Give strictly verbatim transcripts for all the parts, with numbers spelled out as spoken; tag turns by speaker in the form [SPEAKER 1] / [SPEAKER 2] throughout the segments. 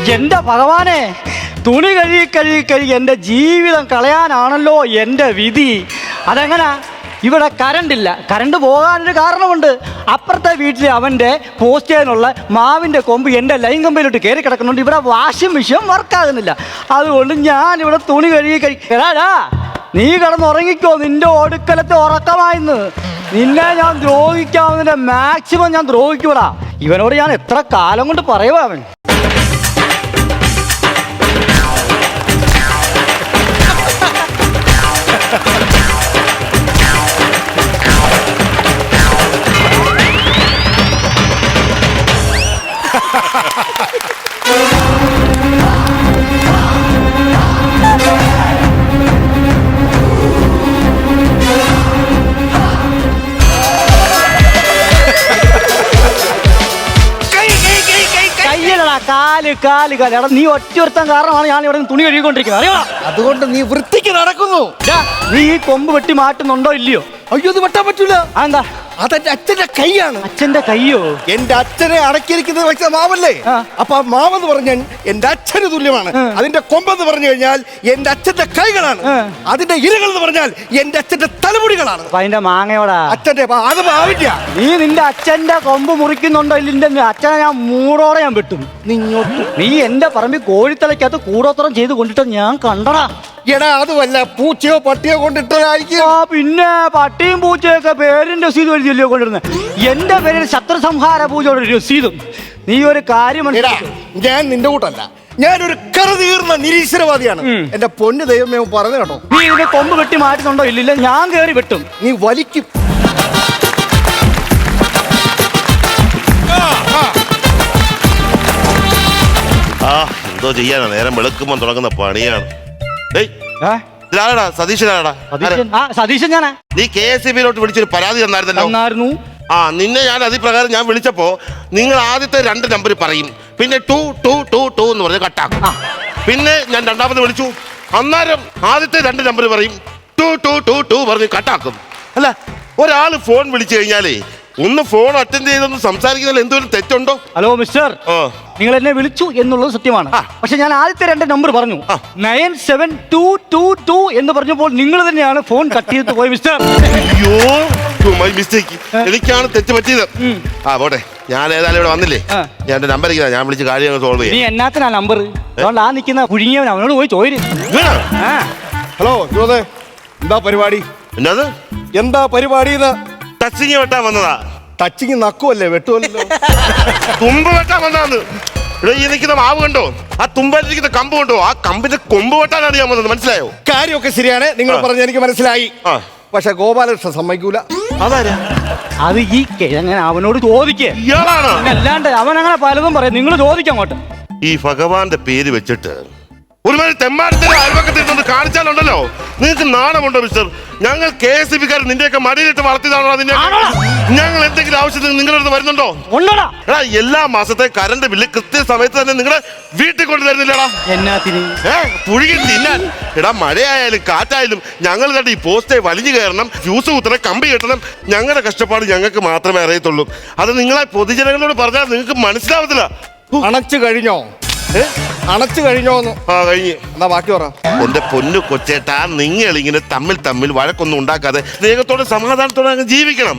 [SPEAKER 1] എന്റെ ഭഗവാനെ, തുണി കഴുകി കഴുകി കഴുകി എൻ്റെ ജീവിതം കളയാനാണല്ലോ എൻ്റെ വിധി. അതെങ്ങനാ? ഇവിടെ കറണ്ടില്ല. കറണ്ട് പോകാനൊരു കാരണമുണ്ട്. അപ്പുറത്തെ വീട്ടിൽ അവൻ്റെ പോസ്റ്റ് ചെയ്യാനുള്ള മാവിൻ്റെ കൊമ്പ് എൻ്റെ ലൈൻ കമ്പിലോട്ട് കയറി കിടക്കുന്നുണ്ട്. ഇവിടെ വാഷിംഗ് മെഷീൻ വർക്കാകുന്നില്ല. അതുകൊണ്ട് ഞാനിവിടെ തുണി കഴുകി കഴി എടാ, നീ കിടന്നുറങ്ങിക്കോ. നിന്റെ ഒടുക്കലത്തെ ഉറക്കമായിന്ന്. നിന്നെ ഞാൻ ദ്രോഹിക്കാവുന്നതിൻ്റെ മാക്സിമം ഞാൻ ദ്രോഹിക്കൂടാ. ഇവനോട് ഞാൻ എത്ര കാലം കൊണ്ട് പറയുവാ അവൻ. കാല് കാല് കാല് എടാ, നീ ഒറ്റൊരുത്തൻ കാരണമാണ് ഞാൻ ഇവിടെ തുണി കഴുകിക്കൊണ്ടിരിക്കുന്നത്, അറിയോ?
[SPEAKER 2] അതുകൊണ്ട് നീ വൃത്തിക്ക് നടക്കുന്നു.
[SPEAKER 1] നീ ഈ കൊമ്പ് വെട്ടി മാറ്റുന്നുണ്ടോ ഇല്ലയോ?
[SPEAKER 2] അയ്യോ, ഇത് വെട്ടാൻ പറ്റൂല.
[SPEAKER 1] എന്താ?
[SPEAKER 2] അതെന്റെ അച്ഛന്റെ കൈയാണ്.
[SPEAKER 1] അച്ഛന്റെ കയ്യോ?
[SPEAKER 2] എന്റെ അച്ഛനെ അടക്കിയിരിക്കുന്നത് വെച്ച മാവല്ലേ? അപ്പൊ ആ മാവെന്ന് പറഞ്ഞാൽ എന്റെ അച്ഛന് തുല്യമാണ്. അതിന്റെ കൊമ്പെന്ന് പറഞ്ഞു കഴിഞ്ഞാൽ എന്റെ അച്ഛന്റെ കൈകളാണ്. അതിന്റെ ഇരകൾ എന്ന് പറഞ്ഞാൽ എന്റെ അച്ഛന്റെ തലമുടികളാണ്.
[SPEAKER 1] അതിന്റെ മാങ്ങയോടാ
[SPEAKER 2] അച്ഛന്റെ അത് ആവില്ല.
[SPEAKER 1] നീ നിന്റെ അച്ഛന്റെ കൊമ്പ് മുറിക്കുന്നുണ്ടോ ഇല്ല? അച്ഛനെ ഞാൻ മൂടോടെ ഞാൻ വെട്ടും.
[SPEAKER 2] നിങ്ങോട്ട്
[SPEAKER 1] നീ എന്റെ പറമ്പിൽ കോഴിത്തലയ്ക്കകത്ത് കൂടോത്രം ചെയ്ത് കൊണ്ടിട്ട് ഞാൻ കണ്ടടാ.
[SPEAKER 2] എടാ, അതുമല്ല, പൂച്ചയോ പട്ടിയോ കൊണ്ടിട്ടായിരിക്കും.
[SPEAKER 1] ആ പിന്നെ, പട്ടിയും പൂച്ചയൊക്കെ പേരിന്റെ രസീത് എഴുതിയല്ലോ കൊണ്ടിരുന്നത്. എന്റെ പേരിൽ ശത്രു സംഹാര പൂജയുടെ രസീതും. നീ ഒരു കാര്യം മനസ്സിലാക്ക്.
[SPEAKER 2] ഞാൻ നിന്റെ കൂട്ടല്ല, ഞാനൊരു കറുതീർന്ന നിരീശ്വരവാദിയാണ്. എന്റെ പൊന്നു ദൈവമേ പറഞ്ഞു കേട്ടോ.
[SPEAKER 1] നീ ഇതിന്റെ കൊമ്പ് വെട്ടി മാറ്റുന്നുണ്ടോ ഇല്ലില്ല? ഞാൻ കയറി വെട്ടും.
[SPEAKER 2] നീ വലിക്കും.
[SPEAKER 3] ആ എന്തോ ചെയ്യാനാ, നേരം വെളുക്കുമ്പോൾ തുടങ്ങുന്ന പണിയാണ്. സതീശനാടാ.
[SPEAKER 1] സതീശൻ ഞാനാ.
[SPEAKER 3] നീ കെ എസ് ഇ ബിയിലോട്ട് വിളിച്ചൊരു പരാതി തന്നായിരുന്നല്ലോ. ആ നിന്നെ ഞാൻ അതിപ്രകാരം ഞാൻ വിളിച്ചപ്പോ നിങ്ങൾ ആദ്യത്തെ രണ്ട് നമ്പർ പറയും, പിന്നെ ടു ടു ടു ടു എന്ന് പറഞ്ഞ് കട്ടാക്കും. പിന്നെ ഞാൻ രണ്ടാമത് വിളിച്ചു, അന്നേരം ആദ്യത്തെ രണ്ട് നമ്പർ പറയും, ടു ടു ടു ടു പറഞ്ഞ് കട്ടാക്കും. അല്ല, ഒരാൾ ഫോൺ വിളിച്ചു കഴിഞ്ഞാലേ ഒന്ന് ഫോൺ അറ്റൻഡ് ചെയ്തൊന്ന് സംസാരിക്കുന്നതിൽ എന്തെങ്കിലും തെറ്റുണ്ടോ?
[SPEAKER 1] ഹലോ മിസ്റ്റർ, നിങ്ങൾ എന്നെ വിളിച്ചു എന്നുള്ളത് സത്യമാണ്. പക്ഷെ ഞാൻ ആദ്യത്തെ രണ്ട് നമ്പർ പറഞ്ഞു, nine seven two two two എന്ന് പറഞ്ഞപ്പോൾ നിങ്ങൾ തന്നെയാണ് ഫോൺ കട്ട് ചെയ്ത് പോയി മിസ്റ്റർ.
[SPEAKER 3] അയ്യോ, മൈ മിസ്റ്റേക്ക്. എനിക്കാണ് തെറ്റ് പറ്റിയത്. ആ പോട്ടെ, ഞാൻ ഏതായാലും ഇവിടെ വന്നില്ലേ, ഞാൻ എന്റെ നമ്പർ ഞാൻ വിളിച്ച് കാര്യങ്ങൾ സോൾവ് ചെയ്യാം.
[SPEAKER 1] നീ എന്നാത്തിനാ നമ്പർ? അതുകൊണ്ട് ആ നിൽക്കുന്ന കുഴുങ്ങിയവൻ അവനോട് പോയി ചോദിച്ചു.
[SPEAKER 2] ഹലോ ജോസേ, എന്താ പരിപാടി?
[SPEAKER 3] എന്നത്
[SPEAKER 2] എന്താ പരിപാടി?
[SPEAKER 3] ടച്ചിങ് വെട്ടാൻ വന്നതാ.
[SPEAKER 2] ടച്ചിങ് നക്കുമല്ലേ, വെട്ടുമല്ലോ.
[SPEAKER 3] തുമ്പ് വെട്ടാൻ വന്നതാന്ന്. ഇവിടെ ഈ നിൽക്കുന്ന മാവ് കണ്ടോ? ആ തുമ്പായിരിക്കുന്ന കമ്പ് കണ്ടോ? ആ കമ്പിന്റെ കൊമ്പ് വെട്ടാനാണ് ഞാൻ വന്നത്. മനസ്സിലായോ?
[SPEAKER 2] കാര്യമൊക്കെ ശരിയാണ്, നിങ്ങൾ പറഞ്ഞ എനിക്ക് മനസ്സിലായി. പക്ഷെ ഗോപാലകൃഷ്ണൻ സമ്മതിക്കൂല.
[SPEAKER 3] അതാരാ?
[SPEAKER 1] അത് ഈ കിഴങ്ങനെ അവനോട് ചോദിക്കേ.
[SPEAKER 3] ഇയാളാണ്.
[SPEAKER 1] അല്ലാണ്ട് അവൻ അങ്ങനെ പലതും പറയും. നിങ്ങൾ ചോദിക്കാം അങ്ങോട്ട്.
[SPEAKER 3] ഈ ഭഗവാന്റെ പേര് വെച്ചിട്ട് ഒരുമാതിരി തെമ്മാരത്തിന്റെ അയൽവക്കത്തിൽ കാണിച്ചാലുണ്ടല്ലോ, നിങ്ങൾക്ക് നാണമുണ്ടോ മിസ്റ്റർ? ഞങ്ങൾ കെ എസ് ഇ ബിക്കാർ നിന്റെയൊക്കെ മടിയിലിട്ട് വളർത്തിയതാണോ? അതിന്റെ ഞങ്ങൾ എന്തെങ്കിലും ആവശ്യത്തിന് നിങ്ങളുടെ അടുത്ത് വരുന്നുണ്ടോ? എടാ, എല്ലാ മാസത്തെ കറണ്ട് ബില്ല് കൃത്യസമയത്ത് തന്നെ നിങ്ങളുടെ വീട്ടിൽ കൊണ്ട് തരുന്നില്ലടാ.
[SPEAKER 1] എന്നാത്തിന്?
[SPEAKER 3] ഏഹ് പുഴുകി തിന്നാൻ. എടാ, മഴയായാലും കാറ്റായാലും ഞങ്ങൾ കണ്ട് ഈ പോസ്റ്റേ വലിഞ്ഞു കയറണം, ഫ്യൂസ് കുത്തണം, കമ്പി കെട്ടണം. ഞങ്ങളുടെ കഷ്ടപ്പാട് ഞങ്ങൾക്ക് മാത്രമേ അറിയത്തുള്ളൂ. അത് നിങ്ങളെ പൊതുജനങ്ങളോട് പറഞ്ഞാൽ നിങ്ങൾക്ക് മനസ്സിലാവത്തില്ല.
[SPEAKER 2] അണച്ചു കഴിഞ്ഞോ? അണച്ചു കഴിഞ്ഞോന്ന്?
[SPEAKER 3] ആ കഴിഞ്ഞു.
[SPEAKER 2] എന്നാ ബാക്കി പറ.
[SPEAKER 3] എന്റെ പൊന്നു കൊച്ചേട്ടാ, നിങ്ങൾ ഇങ്ങനെ തമ്മിൽ തമ്മിൽ വഴക്കൊന്നും ഉണ്ടാക്കാതെ സ്നേഹത്തോടെ സമാധാനത്തോടെ അങ്ങ് ജീവിക്കണം.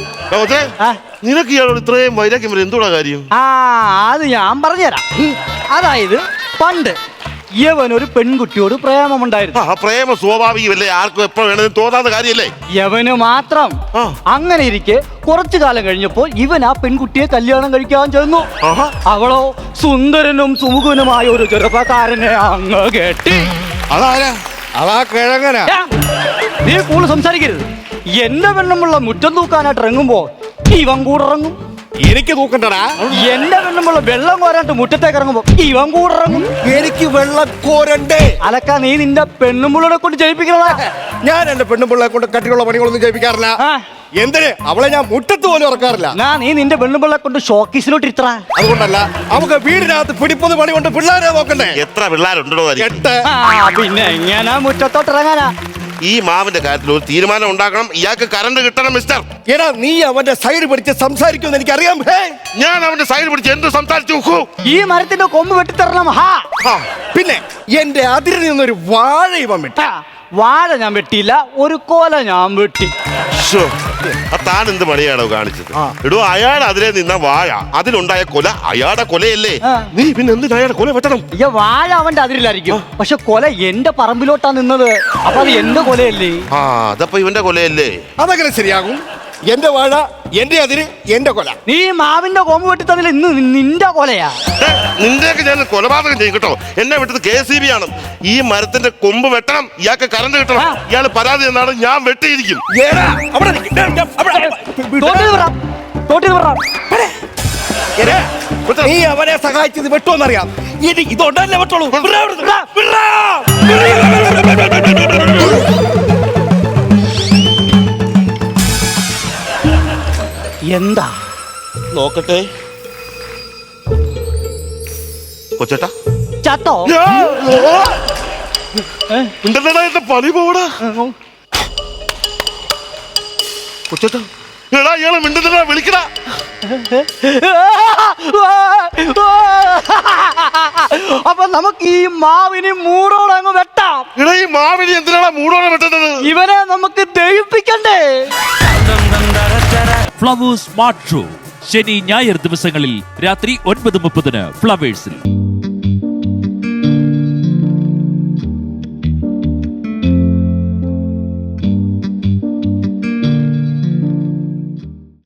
[SPEAKER 3] നിനക്ക് ഇയാളോട് ഇത്രയും വൈരാഗ്യം വരെ എന്തുകൂടാ കാര്യം?
[SPEAKER 1] ആ അത് ഞാൻ പറഞ്ഞുതരാം. അതായത് പണ്ട് യവൻ ഒരു പെൺകുട്ടിയോട് പ്രേമമുണ്ടായിരുന്നു.
[SPEAKER 3] ആ പ്രേമ സ്വാഭാവികമല്ലേ, ആർക്കും എപ്പോ വേണമെങ്കിലും തോന്നാത്ത കാര്യമല്ലേ?
[SPEAKER 1] യവന് മാത്രം. അങ്ങനെ ഇരിക്കെ കുറച്ചു കാലം കഴിഞ്ഞപ്പോൾ ഇവൻ ആ പെൺകുട്ടിയെ കല്യാണം കഴിക്കാൻ ചെന്നു. അവളോ സുന്ദരനും സുമുഖനുമായ ഒരു ചെറുപ്പക്കാരനെ അങ്ങ് കെട്ടി.
[SPEAKER 2] അതാരാ? അതാ കിഴങ്ങനാ.
[SPEAKER 1] നീ കൂടുതൽ സംസാരിക്കരുത്. എന്റെ പെണ്ണുമുള്ള മുറ്റം തൂക്കാനായിട്ട് ഇറങ്ങുമ്പോ ഇവൻ കൂടെ ഇറങ്ങും.
[SPEAKER 2] എനിക്ക് തൂക്കണ്ടടാ.
[SPEAKER 1] എന്റെ പെണ്ണുമുള്ള വെള്ളം കോരാണ്ട് മുറ്റത്തേക്ക് ഇറങ്ങുമ്പോ ഇവൻ കൂടെ ഇറങ്ങും.
[SPEAKER 2] എനിക്ക് വെള്ളം കോരണ്ടേ?
[SPEAKER 1] അലക്ക നീ നിന്റെ പെണ്ണുമുള്ളനെ കൊണ്ട് ജയിപ്പിക്കണതാ.
[SPEAKER 2] ഞാൻ എന്റെ പെണ്ണുപിള്ളയെ കൊണ്ട് കട്ടിയുള്ള പണികളൊന്നും ജയിപ്പിക്കാറില്ല. എന്തിന്? അവളെ ഞാൻ മുറ്റത്ത് പോലും ഇറക്കാറില്ല.
[SPEAKER 1] നീ നിന്റെ പെണ്ണുപിള്ളെ കൊണ്ട് ഷോക്കീസിലോട്ട് ഇത്ര.
[SPEAKER 2] അതുകൊണ്ടല്ല, നമുക്ക് വീടിനകത്ത് പിടിപ്പത് പണി കൊണ്ട് പിള്ളേരെ നോക്കണ്ടേ?
[SPEAKER 3] എത്ര പിള്ളേരുണ്ടോ?
[SPEAKER 2] എട്ട്.
[SPEAKER 1] പിന്നെ എങ്ങനാ മുറ്റത്തോട്ട് ഇറങ്ങാനാ?
[SPEAKER 3] ഈ മാവിന്റെ കാര്യത്തിൽ ഒരു തീരുമാനം ഉണ്ടാക്കണം. ഇയാൾക്ക് കറണ്ട് കിട്ടണം മിസ്റ്റർ.
[SPEAKER 2] എടാ നീ അവന്റെ സൈഡ് പിടിച്ച് സംസാരിക്കുമെന്ന് എനിക്കറിയാം. ഹേ,
[SPEAKER 3] ഞാൻ അവന്റെ സൈഡ് പിടിച്ച് എന്ത് സംസാരിച്ചു നോക്കൂ.
[SPEAKER 1] ഈ മരത്തിന്റെ കൊമ്പ് വെട്ടിത്തരണം. ഹാ
[SPEAKER 2] ആ, പിന്നെ എന്റെ അതിരിൽ നിന്നൊരു വാഴ ഇവൻ വിട്ടു.
[SPEAKER 1] ആ, വാഴ ഞാൻ വെട്ടിയില്ല, ഒരു കോല ഞാൻ വെട്ടി.
[SPEAKER 3] ശ്ശോ, ആ താൻ എന്ത് പണിയാണോ കാണിച്ചത്? എടോ, അയാൾ അതിലെ നിന്ന വാഴ, അതിലുണ്ടായ കൊല അയാളുടെ കൊലയല്ലേ?
[SPEAKER 1] ആ.
[SPEAKER 3] നീ പിന്നെ എന്തിനാ അയാളുടെ കൊല വെട്ടണം?
[SPEAKER 1] ഈ വാഴ അവന്റെ അതിരിലായിരിക്കും, പക്ഷെ കൊല എന്റെ പറമ്പിലോട്ടാ നിന്നത്. അപ്പൊ അത് എന്റെ കൊലയല്ലേ?
[SPEAKER 3] ആ, അതപ്പോ ഇവന്റെ കൊലയല്ലേ?
[SPEAKER 2] അതങ്ങനെ ശരിയാകും. എന്റെ വാഴ, എന്റെ അതിര്, എന്റെ കൊല.
[SPEAKER 1] നീ മാവിന്റെ കൊമ്പ് വെട്ടി തന്നില്ല, ഇന്ന് നിന്റെ കൊലയാ.
[SPEAKER 3] ഏ, നിന്റെയൊക്കെ ഞാൻ കൊലപാതകം ചെയ്യും കേട്ടോ. എന്നെ വിട്ടത് കെ സി ബി ആണ്. ഈ മരത്തിന്റെ കൊമ്പ് വെട്ടണം, ഇയാൾക്ക് കറണ്ട് കിട്ടണം.
[SPEAKER 1] ആ.
[SPEAKER 3] ഇയാൾ പരാതി എന്നാണ് ഞാൻ വെട്ടിയിരിക്കും.
[SPEAKER 2] എടാ, അവിടെ നിക്ക്. ദേ, ദേ, അവിടെ.
[SPEAKER 1] തോട്ടിൽ പറ, തോട്ടിൽ പറ.
[SPEAKER 2] എടാ, നീ അവനെ സഹായിച്ചത് വെട്ടുമെന്നറിയാം. ഇനി ഇതൊണ്ടല്ലേ വെട്ടോളൂ. വിടാ അവിടുന്ന്, വിടാ, വിടാ.
[SPEAKER 1] എന്താ
[SPEAKER 3] നോക്കട്ടെ കൊച്ചേട്ടാ.
[SPEAKER 1] ചത്തോ? ഏ?
[SPEAKER 3] ഉണ്ടല്ലടാ, എന്റെ പണി പോടാ കൊച്ചേട്ടാ. എടാ, ഇയാളെ മിണ്ടുന്നടാ, വിളിക്കടാ.
[SPEAKER 1] അപ്പൊ നമുക്ക് ഈ മാവിന് മൂടോടെ അങ്ങ് വെട്ടാം.
[SPEAKER 3] എടാ, ഈ മാവിനി എന്തിനാണ് മൂടോടെ വെട്ടുന്നത്?
[SPEAKER 1] ഇവനെ നമുക്ക് ദഹിപ്പിക്കണ്ടേ?
[SPEAKER 4] ഫ്ലവേഴ്സ് സ്മാർട്ട് ഷോ ശനി ഞായർ ദിവസങ്ങളിൽ രാത്രി ഒൻപത് മുപ്പതിന് ഫ്ലവേഴ്സിൽ.